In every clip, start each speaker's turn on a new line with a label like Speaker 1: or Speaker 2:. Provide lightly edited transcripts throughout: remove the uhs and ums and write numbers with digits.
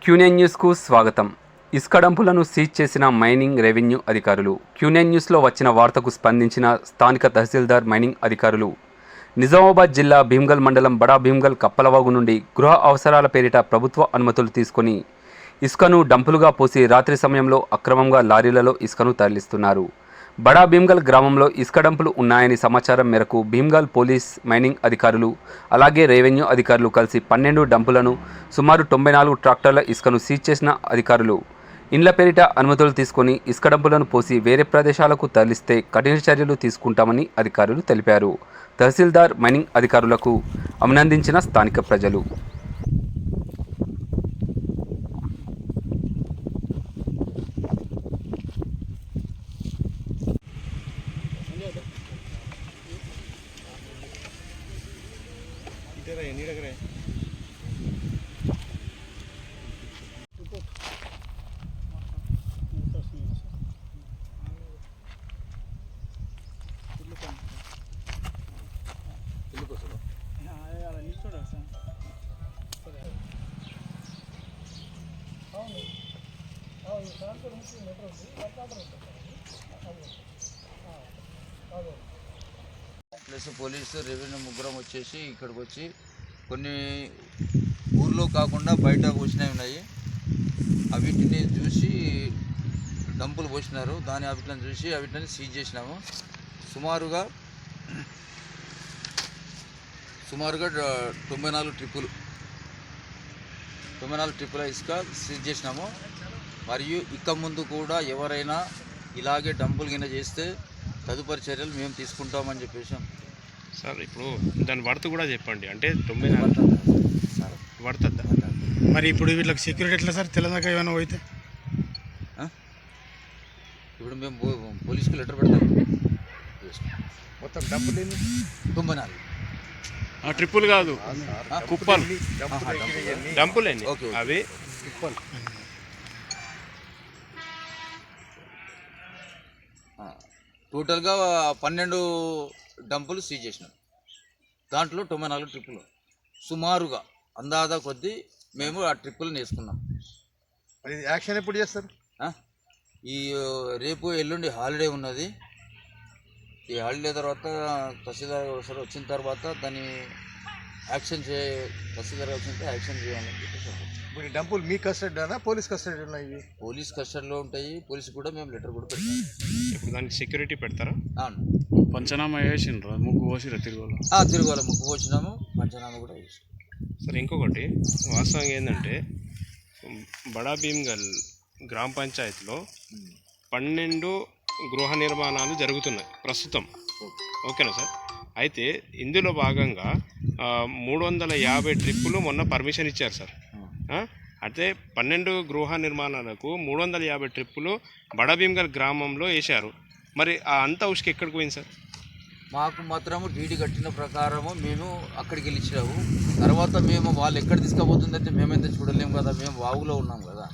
Speaker 1: Quinine న్యూస్కు స్వాగతం. ఇసుక డంపులను సీజ్ చేసిన మైనింగ్ రెవెన్యూ అధికారులు. క్యూనైన్ న్యూస్లో వచ్చిన వార్తకు స్పందించిన స్థానిక తహసీల్దార్ మైనింగ్ అధికారులు నిజామాబాద్ జిల్లా భీమ్గల్ మండలం బడా భీమ్గల్ కప్పలవాగు నుండి గృహ అవసరాల పేరిట ప్రభుత్వ అనుమతులు తీసుకొని ఇసుకను డంపులుగా పోసి రాత్రి సమయంలో అక్రమంగా లారీలలో ఇసుకను తరలిస్తున్నారు. బడా భీమ్గల్ గ్రామంలో ఇసుక డంపులు ఉన్నాయని సమాచారం మేరకు భీమ్గల్ పోలీస్, మైనింగ్ అధికారులు అలాగే రెవెన్యూ అధికారులు కలిసి 12 డంపులను సుమారు 94 ట్రాక్టర్ల ఇసుకను సీజ్ చేసిన అధికారులు ఇండ్ల పేరిట అనుమతులు తీసుకొని ఇసుక డంపులను పోసి వేరే ప్రదేశాలకు తరలిస్తే కఠిన చర్యలు తీసుకుంటామని అధికారులు తెలిపారు. తహసీల్దార్, మైనింగ్ అధికారులకు అభినందించిన స్థానిక ప్రజలు.
Speaker 2: ప్లస్ పోలీసు, రెవెన్యూ ముగ్గురం వచ్చేసి ఇక్కడికి వచ్చి కొన్ని ఊర్లో కాకుండా బయట పోసినవి ఉన్నాయి. వీటిని చూసి డంపులు పోసినారు. వాటిని చూసి వీటిని సీజ్ చేసినాము. సుమారుగా 94 ట్రిప్పుల ఇసుక సీజ్ చేసినాము. మరియు ఇక ముందు కూడా ఎవరైనా ఇలాగే డంపులు కింద చేస్తే తదుపరి చర్యలు మేము తీసుకుంటామని చెప్పేసి.
Speaker 3: సార్, ఇప్పుడు దాని వర్త్ కూడా చెప్పండి. అంటే 9 పడుతుందా?
Speaker 4: మరి ఇప్పుడు వీళ్ళకి సెక్యూరిటీ ఎట్లా సార్? తెలంగాణ ఏమైనా పోయితే
Speaker 2: ఇప్పుడు మేము పోలీసుకు లెటర్ పెడతాం.
Speaker 4: మొత్తం డంపులు
Speaker 2: 94
Speaker 3: ట్రిప్పులు కాదు, కుప్పలు, డంపులేండి. అవి
Speaker 4: కుప్పలు.
Speaker 2: టోటల్గా 12 డంపులు సీజ్ చేసినాం. దాంట్లో 94 ట్రిప్పులు. సుమారుగా అందాజా కొద్దీ మేము ఆ ట్రిప్పులను వేసుకున్నాం.
Speaker 4: మరి యాక్షన్ ఎప్పుడు చేస్తారు?
Speaker 2: ఈ రేపు ఎల్లుండి హాలిడే ఉన్నది. ఈ హాలిడే తర్వాత తహసీల్దార్ వచ్చిన తర్వాత దాన్ని తహసీల్దార్ వచ్చిన యాక్షన్ చేయాలని చెప్పేసి.
Speaker 4: ఇప్పుడు డంపులు మీ కస్టడీనా, పోలీస్ కస్టడీ ఉన్నాయి? ఇవి
Speaker 2: పోలీస్ కస్టడీలో ఉంటాయి. పోలీసు కూడా మేము లెటర్ కూడా పెడతాం.
Speaker 3: ఇప్పుడు దానికి సెక్యూరిటీ పెడతారా?
Speaker 2: అవును.
Speaker 3: పంచనామా వేసిండ్రు, ముగ్గు పోసిరా తిరుగులో?
Speaker 2: తిరుగులో ముగ్గు పోసినాము, పంచనామా కూడా వేసినాం.
Speaker 3: సరే, ఇంకొకటి వాస్తవంగా ఏంటంటే బడా భీమ్గల్ గ్రామ పంచాయతీలో 12 గృహ నిర్మాణాలు జరుగుతున్నాయి ప్రస్తుతం. ఓకేనా సార్? అయితే ఇందులో భాగంగా 350 ట్రిప్పులు మొన్న పర్మిషన్ ఇచ్చారు సార్. అయితే 12 గృహ నిర్మాణాలకు 350 ట్రిప్పులు బడా భీమ్గల్ గ్రామంలో వేశారు. మరి ఆ అంతా ఉసుకు ఎక్కడికి పోయింది సార్?
Speaker 2: మాకు మాత్రము డీడీ కట్టిన ప్రకారము మేము అక్కడికి వెళ్ళి ఇచ్చినాము. తర్వాత మేము వాళ్ళు ఎక్కడ తీసుకుపోతుందంటే మేమైతే చూడలేము కదా, మేము వాగులో ఉన్నాం కదా.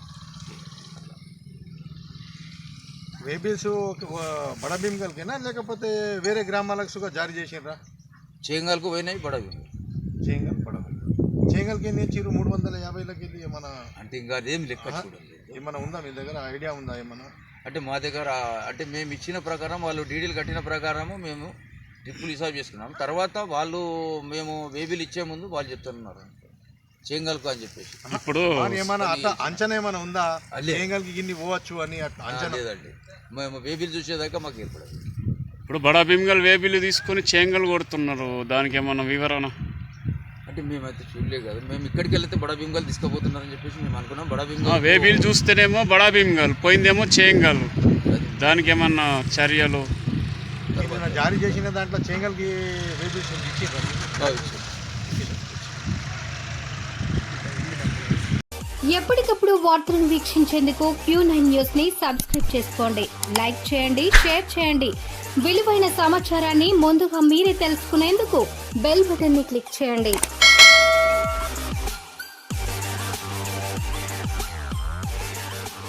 Speaker 4: వేబిల్స్ బడా భీమ్గల్కేనా లేకపోతే వేరే గ్రామాలకు జారీ చేసినరా?
Speaker 2: చేంగల్కు పోయినాయి, బడా భీమ్గల్.
Speaker 4: చేంగల్కి ఎన్ని ఇచ్చారు? 350లకి వెళ్ళి ఏమన్నా
Speaker 2: అంటే ఇంకా అదేం లెక్క చూడండి.
Speaker 4: ఏమన్నా ఉందా మీ దగ్గర? ఐడియా ఉందా ఏమన్నా?
Speaker 2: అంటే మా దగ్గర అంటే మేము ఇచ్చిన ప్రకారం, వాళ్ళు డీడీలు కట్టిన ప్రకారము మేము ట్రిప్పులు హిసాబ్ చేసుకున్నాం. తర్వాత వాళ్ళు మేము వేబిల్ ఇచ్చే ముందు వాళ్ళు చెప్తున్నారు చేంగల్కు అని చెప్పేసి.
Speaker 4: ఇప్పుడు ఏమన్నా అట్లా అంచనా ఏమైనా ఉందా? చేంగల్కి ఇన్ని పోవచ్చు అని అంచనా
Speaker 2: లేదండి. మేము వేబిల్ చూసేదాకా మాకు ఏర్పడదు.
Speaker 3: ఇప్పుడు బడా భీమ్గల్ వేబిల్ తీసుకొని చేంగల్ కొడుతున్నారు, దానికి ఏమన్నా వివరణ?
Speaker 2: అంటే మేమైతే చూడలేదు కదా. మేము ఇక్కడికి వెళ్తే బడా భీమ్గల్ తీసుకుపోతున్నారని చెప్పేసి మేము అనుకున్నాం. బడా భీమ్గల్
Speaker 3: వేబిల్ చూస్తేనేమో బడా భీమ్గల్, పోయిందేమో చేంగల్. దానికి ఏమన్నా చర్యలు
Speaker 4: జారీ చేసిన దాంట్లో చేంగల్కి వేబిల్స్ ఇచ్చిండ్రు?
Speaker 5: ఎప్పటికప్పుడు వార్తలను వీక్షించేందుకు Q9 న్యూస్ ని సబ్స్క్రైబ్ చేసుకోండి, లైక్ చేయండి, షేర్ చేయండి. విలువైన సమాచారాన్ని ముందుగా మీరే తెలుసుకునేందుకు బెల్ బటన్ ని క్లిక్ చేయండి.